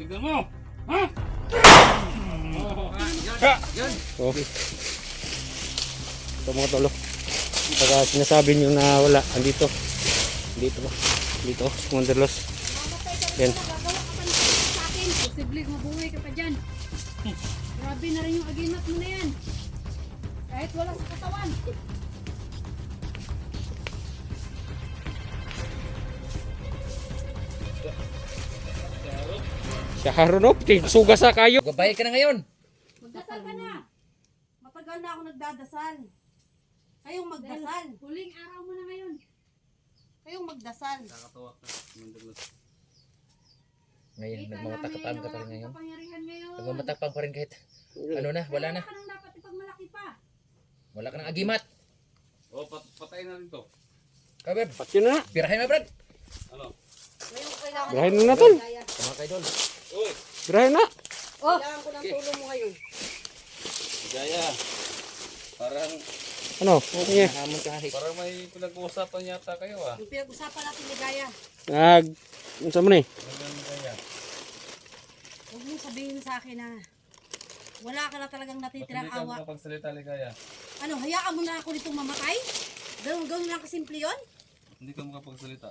tignan mo! Ha? Yan. Oh. Ito mga tolo. Pagka sinasabi nyo na wala, andito. Dito ba? Dito, Commander Los. Yan. Gagawa ka pa ng sa akin. Posible mabuhay ka pa dyan. Grabe na rin yung aginat mo na yan. Kahit wala sa katawan. Siya harunop, suga sa kayo. Gabay ka na ngayon. Magdasal ka na. Matagal na ako nagdadasal. Kayong magdasal. Huling araw mo na ngayon. Kayong magdasal. Nakakatawa ka. Ngayon, Kita nagmamatapang namin ka pa na rin wala ngayon. kang kapangyarihan ngayon. Nagmamatapang pa rin kahit ano na, wala na. Wala ka nang dapat ipagmalaki pa. Wala ka ng agimat. Oh, patayin na rin to. Kabeb, Pati na. pirahin mo, Brad. Ano? Ngayong kailangan Birahin mo na tol. Kaya, Mga kaidol. Uy! Birahin na. kailangan ko ng tulong mo ngayon. Gaya. Parang, Ano? Okay. Nahamon ka hari. parang may pinag-uusapan yata kayo ah. Yung pinag-usapan natin ni Gaya. Ano sa mo ni? Ano Gaya? Huwag mong sabihin sa akin na wala ka na talagang Ba't natitirang hindi ka awa. makapagsalita Ligaya? Ano, hayaan mo na ako nitong mamatay? Ganun lang kasimple yun? Hindi ka makapagsalita.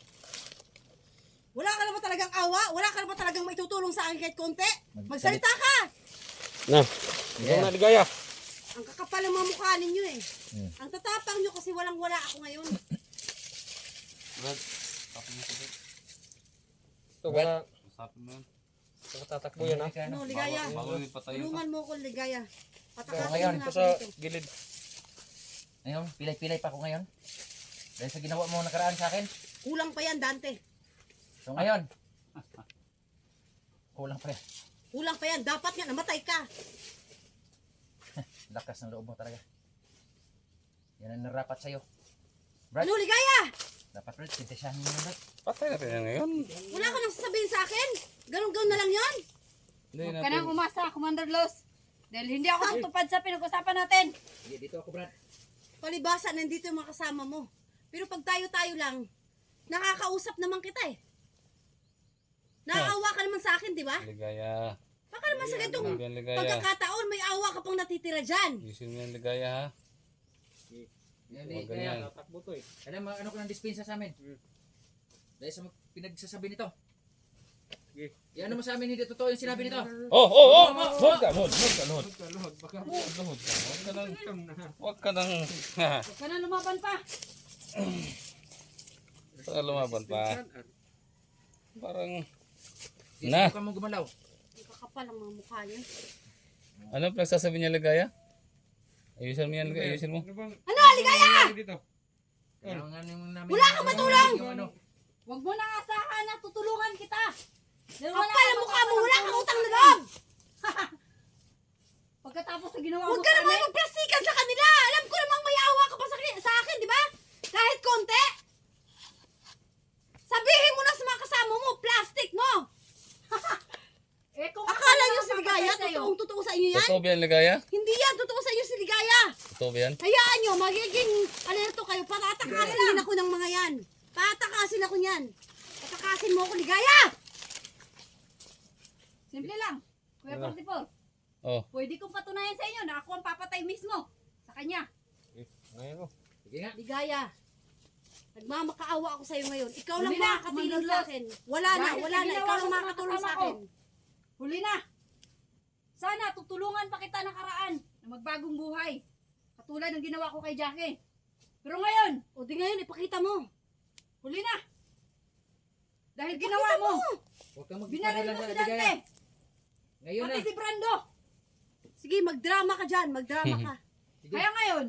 Wala ka na ba talagang awa? Wala ka na ba talagang maitutulong sa akin kahit konti? Magsalita ka! Na. Ikaw na ligaya. Ang kakapal ng mga mukha ninyo eh. Hmm. Ang tatapang nyo kasi walang-wala ako ngayon. Brad, usapin mo ito. Ito wala. Usapin mo yun. Tatakbo yan ha. Ano, Ligaya? Bago may patayin Tulungan mo ko, Ligaya. So, Patakasin ngayon, mo nga Ito ako sa dito. gilid. Ngayon, pilay-pilay pa ako ngayon. Dahil sa ginawa mo nakaraan sa akin. Kulang pa yan, Dante. So ngayon, kulang pa rin. Kulang pa yan. Dapat nga namatay ka. Lakas ng loob mo talaga. Yan ang narapat sa'yo. Brad, Ano, Ligaya? dapat Brad, sintasyahan mo na Brad. Patay natin yan ngayon. Wala ka nang sasabihin sa akin? Ganun-ganun na lang yon. Hindi Huwag ka nang umasa, Commander Los. Dahil hindi ako tutupad sa pinag-usapan natin. Sige, dito ako Brad. Palibasa, nandito yung mga kasama mo. Pero pag tayo-tayo lang, nakakausap naman kita eh. Naawa ka naman sa akin, di ba? Ligaya. Baka naman sa ganitong Ano yan Ligaya? pagkakataon, may awa ka pang natitira dyan. Isin mo yan Ligaya ha. Yan, Huwag kaya, ganyan. alam mo, ano ko ng dispensa sa amin? Dahil sa pinagsasabi nito. Yan ano mo sa amin, hindi totoo yung sinabi nito. Oh! Huwag ka, Lord! Huwag ka, Lord! Huwag ka nang... Huwag ka na lumaban pa. Para lumaban pa. Parang... Hindi Na. ka mo gumalaw. Ang kakapal ang mga mukha niya. Ano pinagsasabi niya Ligaya? Ayusin mo yan, Ligaya. Ayusin mo. Ano, Ligaya? Kailangan namin... Wala kang matulong! Yung ano, Huwag mo nang asahan na tutulungan kita. Dahil Kapal ang mukha mo, wala kang utang na loob! Pagkatapos na ginawa mo Huwag ka sa naman amin, magplastikan sa kanila! Alam ko namang may awa ka pa sa akin, di ba? Kahit konti! Sabihin mo na sa mga kasama mo, plastic mo! eh kung Akala ako nyo na si Ligaya, mapapatay sa'yo, totoo sa inyo yan? Totoo ba yan, Ligaya? Hindi yan, totoo sa inyo si Ligaya! Totoo ba yan? Hayaan nyo, magiging alerto kayo, patatakasin din ako ng mga yan. Patatakasin ako niyan. Patakasin mo ako, Ligaya! Simple lang. Kuya Ano? 44, Oh. pwede kong patunayan sa inyo na ako ang papatay mismo sa kanya. Ngayon sige nga. Ligaya, nagmamakaawa ako sa'yo ngayon. Ikaw lang Huli na, makakatulong Commander sa Los. akin. Wala na, Dahil wala sa na. ginawa Ikaw ko lang sa mga makakatulong sa kasama akin. Huli na. Sana tutulungan pa kita nakaraan na magbagong buhay. Katulad ng ginawa ko kay Jackie. Pero ngayon, O di ngayon, ipakita mo. huli na. Dahil ginawa mo, Huwag kang binaril magpapala mo sa si Dante. Ligaya. Ngayon na. Pati si Brando. Sige, magdrama ka dyan. Magdrama ka. Sige. Kaya ngayon,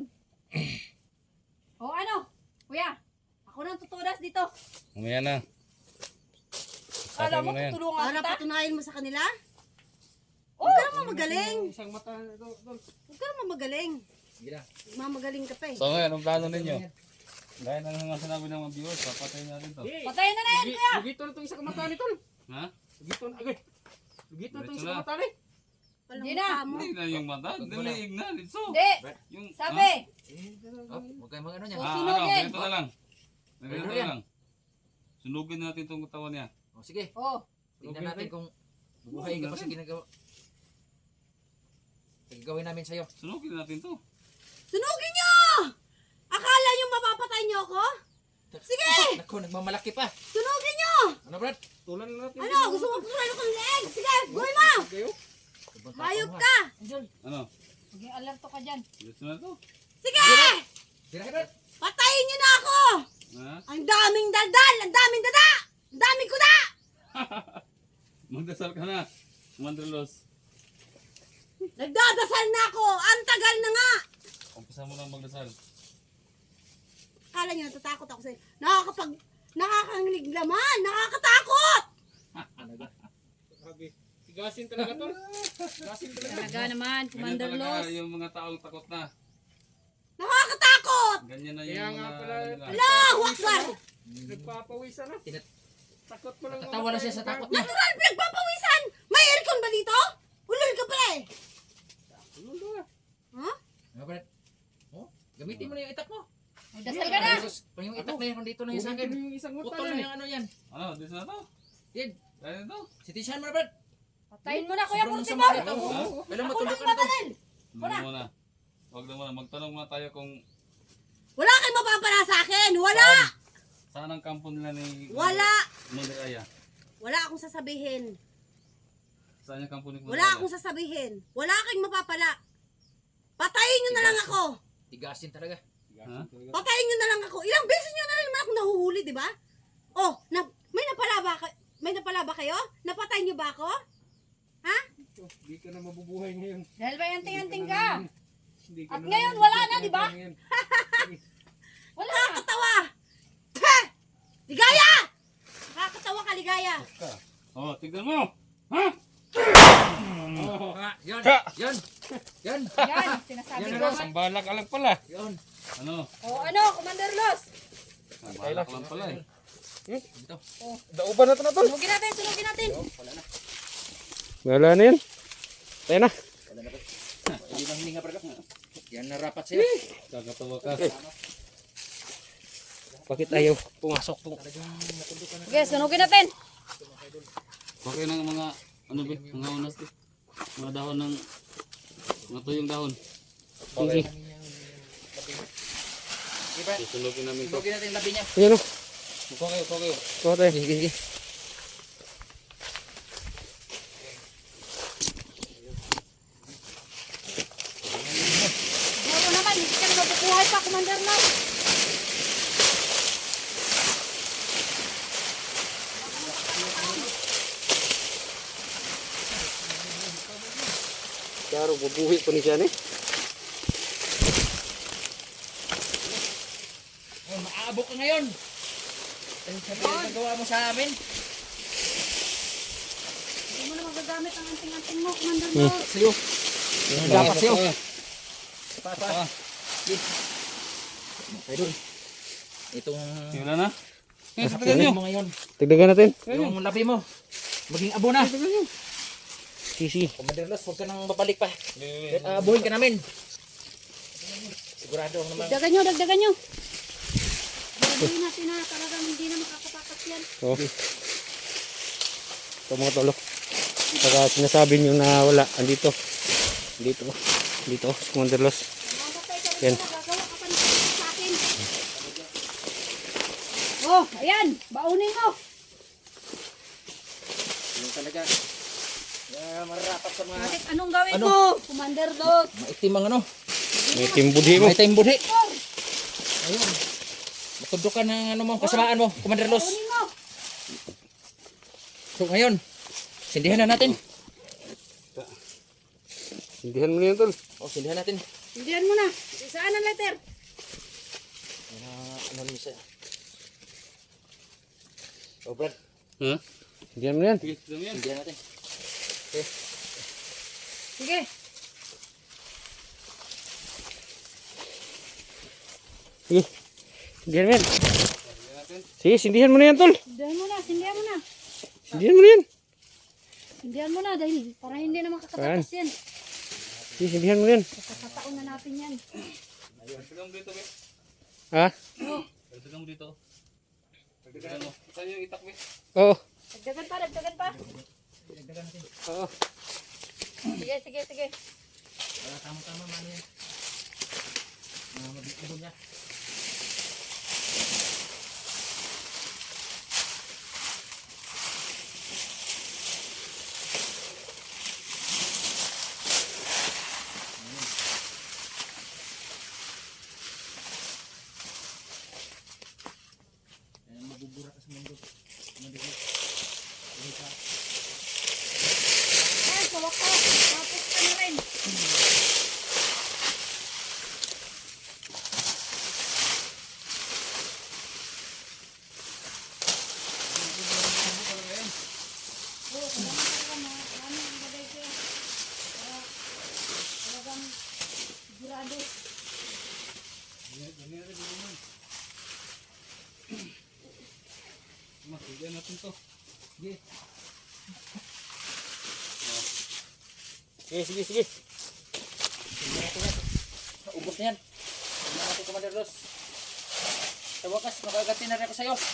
o ano, kuya, ako nang tutudas dito. Umaya na. Kala Usapin mo mo na yan. tutulungan Para kita? patunayan mo sa kanila? Oh, Huwag ka naman magaling. Isang mata ito. Huwag ka naman magaling. Sige na. Mamagaling ka pa eh. So ngayon, ang plano ninyo? Gaya na nga sinabi ng mga viewers, papatayin natin to. patayin na na yan, kuya. Lugito na itong isang mata ni tol. Ha? Lugito na agad. Lugito na itong Diretso isang na. mata ni. Palang Hindi na. mukha mo. Hindi na yung mata, daliig na. Litso. Hindi, Yung, sabi, Oh, huwag kayong mag ano niya. Oh. ano, Sunugin. ganito na lang. Ganito Ano na yan? lang. Sunugin natin itong katawan niya. Oh, sige. oh, Tingnan natin kung Buhay ka pa sa ginagawa. Gagawin namin sa'yo. Sunugin natin to. Sunugin nyo! Akala nyo mapapatay nyo ako? Sige! Naku, nagmamalaki pa. Sunugin nyo! Ano, Brad? Tulan na natin. Ano? Gusto mo patuloy ko ng leeg? Sige, gawin mo! Hayop ka! Angel, Ano? maging alerto ka dyan. Gusto na to? Sige! Tira, Brad. Patayin nyo na ako! Ha? Ang daming daldal! Ang daming dada! Ang daming kuda! Magdasal ka na. Commander Los. Nagdadasal na ako! Ang tagal na nga! Umpisa mo lang magdasal. Akala nyo natatakot ako sa'yo. Nakakanglig naman! Nakakatakot! Sigasin talaga to. Sigasin talaga. Talaga naman, Ganyan Commander talaga Los. yung mga taong takot na. Nakakatakot! Ganyan na yung Kaya nga mga pala, ano nila. Allahu Akbar! Nagpapawisan na. Takot ko lang. Natatawa na siya sa takot niya. Natural pinagpapawisan! May aircon ba dito? Ulol ka pala eh! Ha? Ano, Brad? Oh, gamitin mo na yung itak mo. Magdasal ka na. Jesus, pang yung itak na yan, dito na yung sa akin. Yung isang mata Putol na na eh. yung ano yan. Ano? Dito na to? Yan, Dahil na to? sitisyahan mo na, Brad. Patayin mo na, Kuya Sobrang Portibor. sama nito. Ha? Kailan Ako matulog nang ka na to? babalin! Huwag na muna. Huwag na muna. Magtanong muna tayo kung Wala kayong mapapala sa akin! Wala! saan ang kampo nila ni Wala! Mother Aya. Wala akong sasabihin. Saan yung kampo ni Mother Wala Aya? akong sasabihin. Wala kayong mapapala. Patayin nyo na lang ako. Tigasin talaga. Ha? Patayin nyo na lang ako. Ilang beses nyo na rin naman ako nahuhuli, di ba? Oh, may napala ba kayo? Napatay nyo ba ako? Ha? Hindi ka na mabubuhay ngayon. Dahil ba anting-anting ka? Hindi ka At na ngayon, mabubuhay wala na, di ba? ngayon. Wala. Nakakatawa! Peh! Ligaya! Nakakatawa ka, ligaya. Oh, tignan mo! Ha? Ah, yan, yan, yan, Yan, sinasabi Yan ko. na, Ang balak alang pala. yan. Ano? O ano, Commander Los? Ang balak lang pala eh. Dito. Dauban na ito na tol. Sunugin natin, sunugin natin. Wala na yan. Tayo na. Hindi na hininga, Brad. Yan na rapat sa'yo. Kakatawa ka. Bakit ayaw pumasok po? Sige, sunugin natin. Bakit ng mga ano ba? Mga unas to? Mga dahon ng mga tuyong dahon. Sige. Susunugin namin to. Sunugin natin yung labi niya. Ayan o. Kuha kayo, kuha kayo. Kuha tayo. Sige, sige. Siguro naman, hindi ka na mabubuhay pa, Commander Los. Klaro, bubuhi po ni siya ni. Oh, maaabok ka ngayon. Ano sabi yung nagawa mo sa amin? Hindi mo na magagamit ang anting-anting mo, Commander Los. Sa'yo. Dapat sa'yo. Pa. Idol. Itong Wala na? Eh, Tignan tignan nyo. mo ngayon. Tigdagan natin. Yung labi mo. Maging abo na. Sisi. Commander Los, huwag ka nang babalik pa. Abuhin ka namin. Sigurado ako naman. Dagdagan nyo, dagdagan nyo. Gagawin natin na talagang hindi na makakatakas yan. Oh. Ito mga tolo. Saka sinasabi nyo na wala. Andito. Dito. Dito. Si Commander Los. Mamatay ka Yan. rin na, gagawa ka pa ng sakit sa akin. Oh, ayan, baunin mo. Yung talaga. Mararapat sa mga Bakit anong gawin Ano? mo, Commander Los? maitim ang ano. May timbudhi mo. Maitim budhi. Ayun. Matudukan ng ano mo, kasamaan mo, Commander Los. Baunin mo. So ngayon, sindihan na natin. Sindihan mo na yan tol. Sindihan natin. Hindihan mo na. Saan ang letter? Ano niyo siya? Oh, Brad, Ha? Sindihan mo na yan. Sige, tignan mo yan. sindihan natin. Sige. Sige. Sindihan mo yan. Sige, sindihan mo na yan tol. Hindihan mo na, hindihan mo na. Sindihan mo na yan. Hindihan mo na dahil para hindi na makakatakas yan. Sige, sindihan mo na yan. Kakataon na natin yan. Tignan mo dito, be. Ha? Tignan mo dito. Tignan mo. Saan yung itak, be? Oo. Dagdagan pa, dagdagan pa. Dagdagan natin. Oo. Sige, sige, sige. Wala tama-tama man yan. Mabibigyan niya. Ayan, mabubura ka sa mundo. Mabibigyan. Ay, sa wakas. Tapos ka na rin. Oo, kailangan talaga marami ang bagay ko. Para talagang sigurado. Bigyan natin to. Sige. Sige, sige, sige. Ubos na yan. Tingnan natin, Commander Los. Sa wakas, makagati na rin ako sa'yo.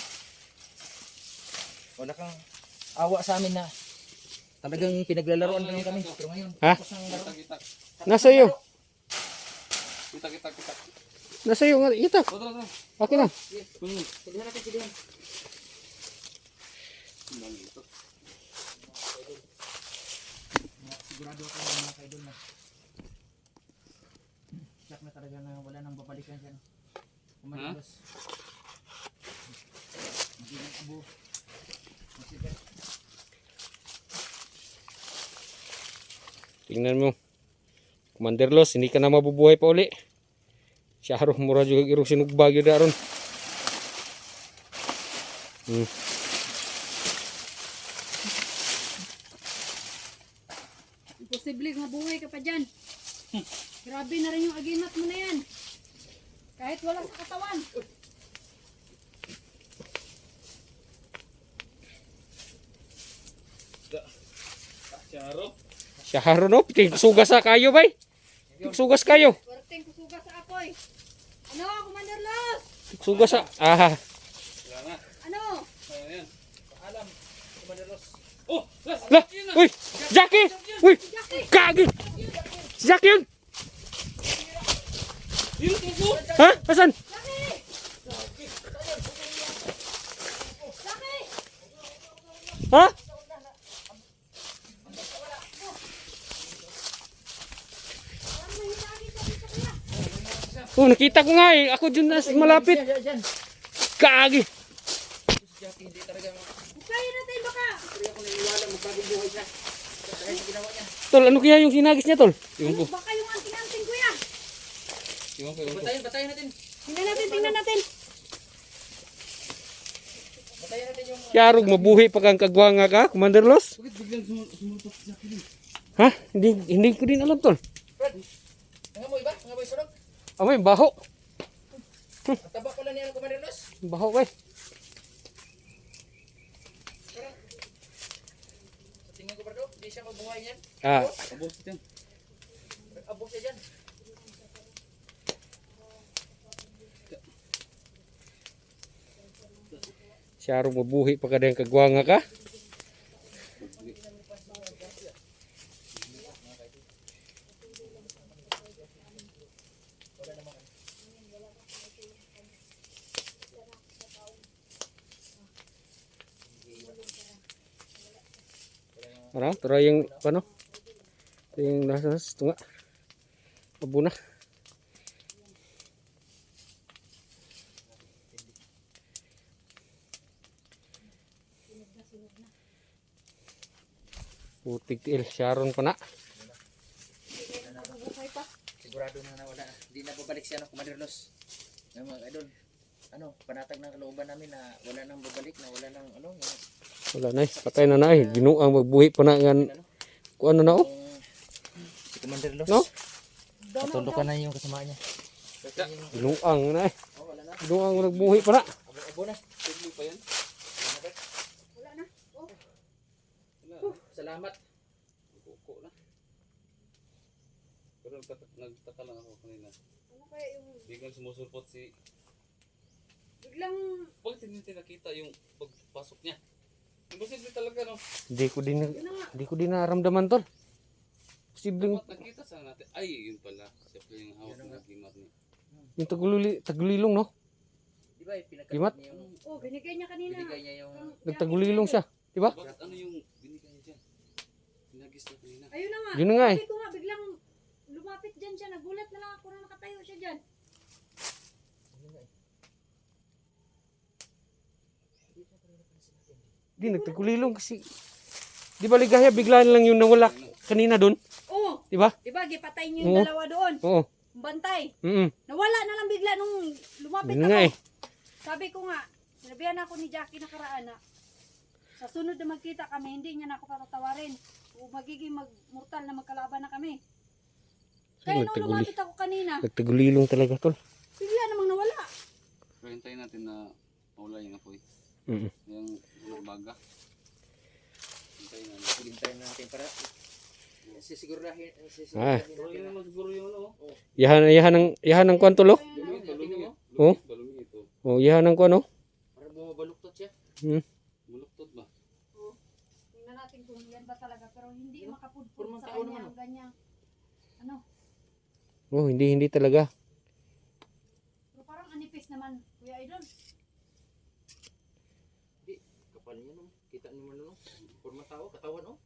Wala kang awa sa amin na talagang pinaglalaroan lang kami. Pero ngayon, Ha? tapos ang laro. Kita. Nasa iyo. Kita. Nasa iyo nga. Ita. Tara. Okay na. Silihan natin, silihan. Ito. Sigurado ako mga kaidol na siyak na talaga na wala nang babalikan dyan. Commander Ha? Los. Hindi nang abo. Masigat. Tingnan mo. Commander Los, hindi ka na mabubuhay pa uli. Siya mura juga irong sinugbagyo daron. Imposible mabuhay ka pa dyan. Grabe na rin yung aginat mo na yan. Kahit wala sa katawan. Charo. Siya no, sugas sa kayo bay. Sugas kayo. Swerteng kusuga sa apoy. Ano, Commander Los? Sugas sa Wala na. Ano? Ayan. Paalam, Commander Los. Oh! Las! Lah, uy, Jackie, uy, kagi. Si Jackie yun. Yun, tubo! Ha? Asan? Ha? Oh, nakita ko nga eh. Ako dyan na malapit. Diyan. Kagi. Si Jackie hindi talaga Bukayin natin baka. hindi ako naniniwala magbagong buhay siya. Dahil sa ginawa niya. Tol, ano kaya yung sinagis niya, Tol? Yung po. Baka yung anting-anting kuya. Iwan ko. Batayin natin. Tingnan natin, tingnan natin. Batayin natin yung Yarog, mabuhi pa kang kagwanga ka, Commander Los? Bakit biglang sumulpot si Jackie din? Ha? Hindi ko din alam, Tol. Fred. Nangamoy ba? Nangamoy sunog? Amoy, baho. At taba ko lang niya ng Commander Los. Baho, kay. Sa tingin ko, Bardo, hindi siya mabuhay niyan. Ah, Abos yan. Abo siya dyan. Yarog, mabuhi pa ka din kagwanga ka. Ano? Tara yung, ano? Ito yung nasa tunga. Abo na. Putik tiil, Sharon pa na. Sigurado na wala. Hindi na babalik siya ng Commander Los. Yung mga idol. Ano, panatag ng kalooban namin na wala nang babalik, na wala nang ano. Yung, Wala na eh, patay na na eh. Ginuang magbuhi pa na nga. Kung ano na oh. si Commander Los. No? Natulog na yung kasama niya. Ginuang na eh. Oh, wala na. Ginuang nagbuhi pa na. Abo na. Tigli pa yan. Wala na. Oh, Wala. Salamat. Kuko na. Pero nagtaka lang ako kanina. ano kaya yung Biglang sumusulpot si... biglang Bakit hindi natin nakita yung pagpasok niya? Imposible talaga, no? Hindi ko din naramdaman tol. Posibleng Dapat nakita sa natin. Ay, yun pala. Siya pala yung hawak ng gimat niya. yung tagulilong no? Di ba, Gimat? pinagkakat niya yung, Oh, binigay niya kanina. binigay niya yung, Nagtagulilong siya, di ba? Bakit ano yung binigay niya dyan? Pinagis na kanina. Ayun na nga. Yun na nga eh. Sabi ko nga, biglang lumapit dyan siya. Nagulat na lang ako na nakatayo siya dyan. Di nagtagulilong kasi di ba ligaya bigla lang yung nawala kanina doon, Oh, di ba? di ba, gipatay niyo yung Oo. dalawa doon. Oo. Bantay. Mm. Nawala na lang bigla nung lumapit Yun ako. nga eh. Sabi ko nga, sinabihan ako ni Jackie nakaraan na sa sunod na magkita kami, hindi niya na ako patatawarin. O magiging mortal na magkalaban na kami. Kaya nung Nagtaguli. lumapit ako kanina, Nagtagulilong talaga tol. bigla namang nawala. Pero hintayin natin na mawala yung apoy. Mm. Yung baga. Hintayin natin. hintayin natin para sisigurahin, Ah. Pero yun naman siguro yung ano. Yahan ng kwan tol oh. Balumi, balumi. Oh? Balumi ito. Oh, yahan ng kwan oh. para bumabaluktot siya. Muluktot ba? Tingnan natin kung yan ba talaga, pero hindi makapudpud Purman sa tao kanya naman, ang ganyang, ano, Oh, hindi talaga. pero parang anipis naman, Kuya Idol. Kapal niya no, kita niyo man no, forma tao, katawan no.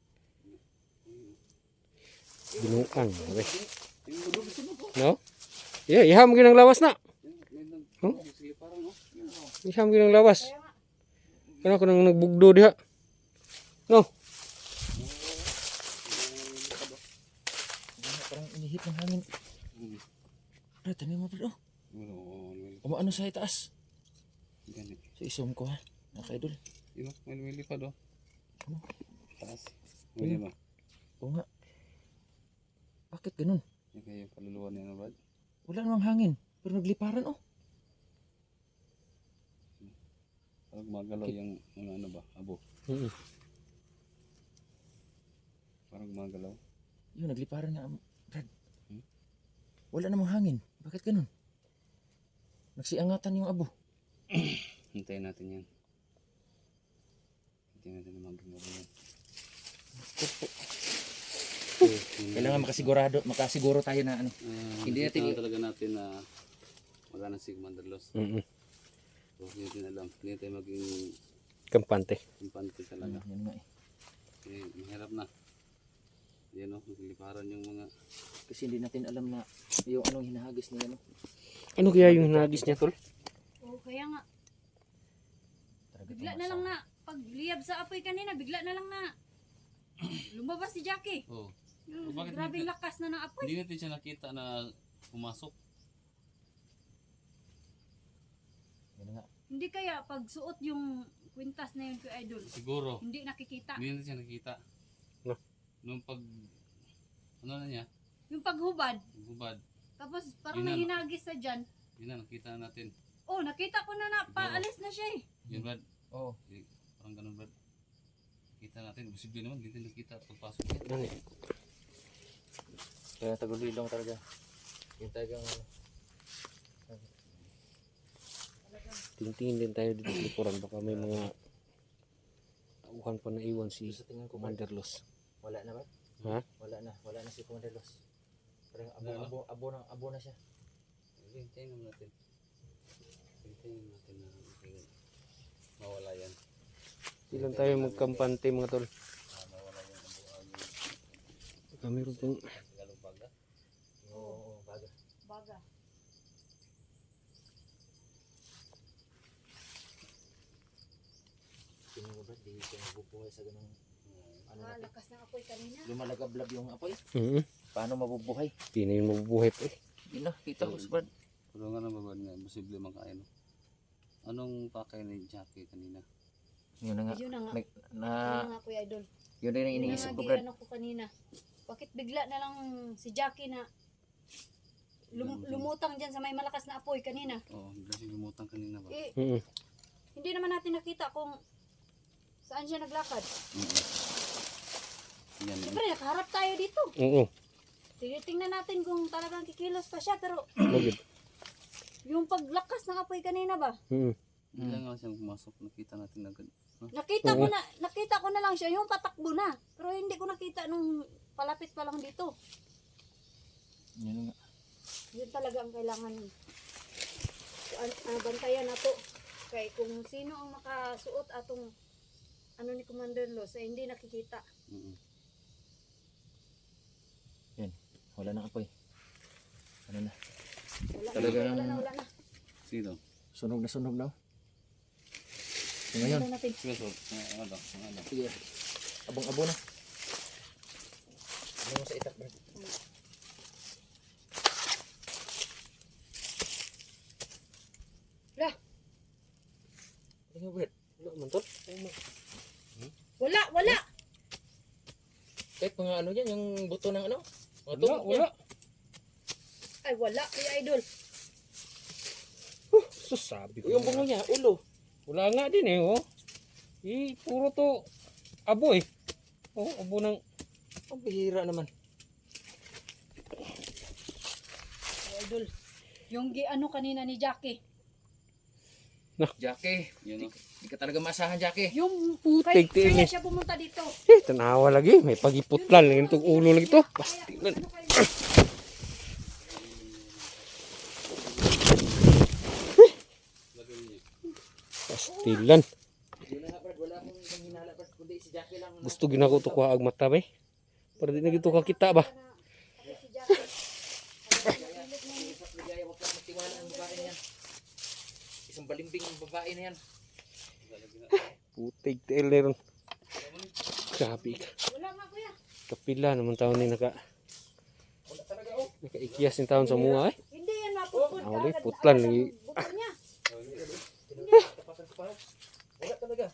Binuang. Okay. Yung bulog sa mo. No? Yeah, iham ginang lawas na. May nag... Huh? Sige, parang no. Iham ginang lawas. Kaya nga, Kana ko nang nagbugdo diha. No. Parang inihit ng hangin. Bro, tanin mo bro. Umaano sa itaas. Ganit. So isum ko ha, mga idol. Yun o, may lumilipad o. Ano? Taas. May ba? Oo nga. Bakit ganun? Yung kayo kaluluwa niya na Brad. Wala namang hangin, pero nagliparan oh. Parang magalaw yung mga ano ba, abo. Mm. Parang magalaw. Yun, nagliparan nga, Brad. Wala namang hangin. Bakit ganun? Nagsiangatan yung abo. Hintayin natin yan. Hintayin natin na maging abo yan. Kailangan makasiguro tayo na ano. Hindi Hindi natin- talaga natin na magana si Commander Los. Mm. So, hindi natin alam. Hindi tayo maging Kampante. impante talaga. Yan nga eh. Eh, mahirap na. Yan o, nagliliparan yung mga... Kasi hindi natin alam na yung anong hinahagis niya no. Ano kaya yung nagis niya tol? oh, kaya nga, Talaga bigla itong na lang masa- na, pag liyab sa apoy kanina, bigla na lang na, lumabas si Jackie. Oh, Yung Bakit grabing hindi- lakas na ng apoy. hindi natin siya nakita na pumasok. Yan nga. Hindi kaya pag suot yung kwintas na yun Kuya Idol, Siguro. hindi nakikita. Hindi natin siya nakita. No. Nung pag... Ano na niya? Yung paghubad, Hubad. tapos parang Yun na, may no? hinagis na dyan. Yun na, nakita na natin. Oh, nakita ko na paalis na siya eh. Yun Brad. Oo. Eh, parang ganun Brad. Kita natin. Posible naman. Hindi natin nakita pagpasok niya. Kaya tagulilong talaga. Yung talagang Tingtingin din tayo dito sa likuran. Baka may mga tauhan pa na iwan si sa tingin ko Commander Los. wala na ba? Ha? Wala na si Commander Los. Parang Wala. abo na siya. Hintayin naman natin. Hintayin natin na maging mawala yan. Ilan tayo magkampante mga tol. Mawala yung abuan. Baka meron pong Tagalog baga. Oo, baga. Baga. Tingin mo ba, di siya mabubuhay sa ganung ano Ah, natin. lakas ng apoy kanina. Lumalagablab yung apoy. Paano Paano mabubuhay? Hindi na yun mabubuhay pa eh. Hindi na, kita ko Brad. Pero nga naman Brad nga, posible makain. No? Anong pakay ni Jackie kanina? Yun na nga. Yun na nga. Nag- Yun na, na nga Kuya Idol. yun din ang Yun na iniisip nga ko Brad. ano ko kanina. Bakit bigla na lang si Jackie na lumutang dyan sa may malakas na apoy kanina? Oo, kasi lumutang kanina ba? Eh, Mm. hindi naman natin nakita kung saan siya naglakad. Yan. Siyempre, nakaharap tayo dito. Oo. Tinitingnan natin kung talagang kikilos pa siya. Pero Bagid. yung paglakas ng apoy kanina ba? Mm. Bigla nga siyang pumasok. Nakita natin agad. Oo. Nakita ko na lang siya, yung patakbo na. Pero hindi ko nakita nung palapit pa lang dito. Yun nga. Yun talaga ang kailangan bantayan na to. Kaya kung sino ang makasuot atong ano ni Commander Los ay hindi nakikita. Mm. Wala nang apoy. Ano na? Wala Talagang- na, wala na. Sino? Sunog na sunog na. So ngayon, Wala natin. Sige, so, ano? sige. Abong-abo na. Ano mo sa itak, Brad? Lah, Ano, Brad? Wala man tol. wala. Kahit mga ano yan, yung buto ng ano? Mga Wala, tunog wala. yan. Ay, wala, kuya idol. Sus, sabi ko. Yung bungo niya, ulo. Wala nga din eh, oh. Puro to abo eh. Oh, abo ng Ang bihira naman. Kuya idol, yung ano kanina ni Jackie. Jackie, Yun, no? di ka talaga maasahan, Jackie. Yung putik kaya tiil eh. siya pumunta dito. Tanawa lagi. May pagiputlan. Ganitong ulo lagi to. Pastilan. Ano kayo? Pastilan. Wala nga, Brad. Wala akong ibang hinala, Brad. Kundi si Jackie lang. Gusto ginako to kuha ag mata ba eh. Para di na gito kakita ba. Ako si Jackie. Isang ligaya, huwag kang magtiwala ng babae na yan. Isang balimbing babae na yan. Putik tiil na ron. Grabe ka. Wala nga kuya. Kapila naman taon ni Wala talaga, oh. nakaikyas yung taon sa mga eh. Hindi yan mapupod. Ah, wala, putlan lagi. Buto niya. Tapasan ko pa. Wala talaga.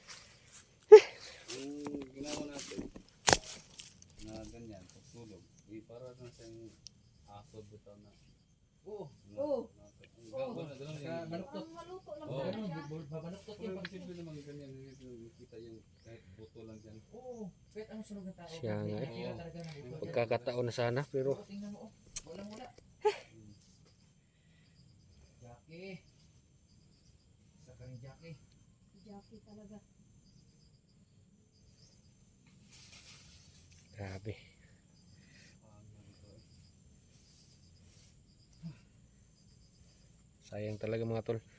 Yung ginawa natin na ganyan, pagsulog, para na sa aso bitaw na. Oo. Oo. Ganun Saka yun. baluktot. Ang maluto lang Oo. talaga siya. Babaluktot Pero yung pag simple naman ganyan, nakita yung kahit buto lang dyan. Oo. Kahit anong sunog ng tao. Siya nga eh. nakikita talaga ng buto. Pagkakataon na sana pero Oo, tingnan mo, oh. Walang wala. Jackie. Isa ka rin, Jackie. Jackie talaga. grabe. Sayang talaga mga tol.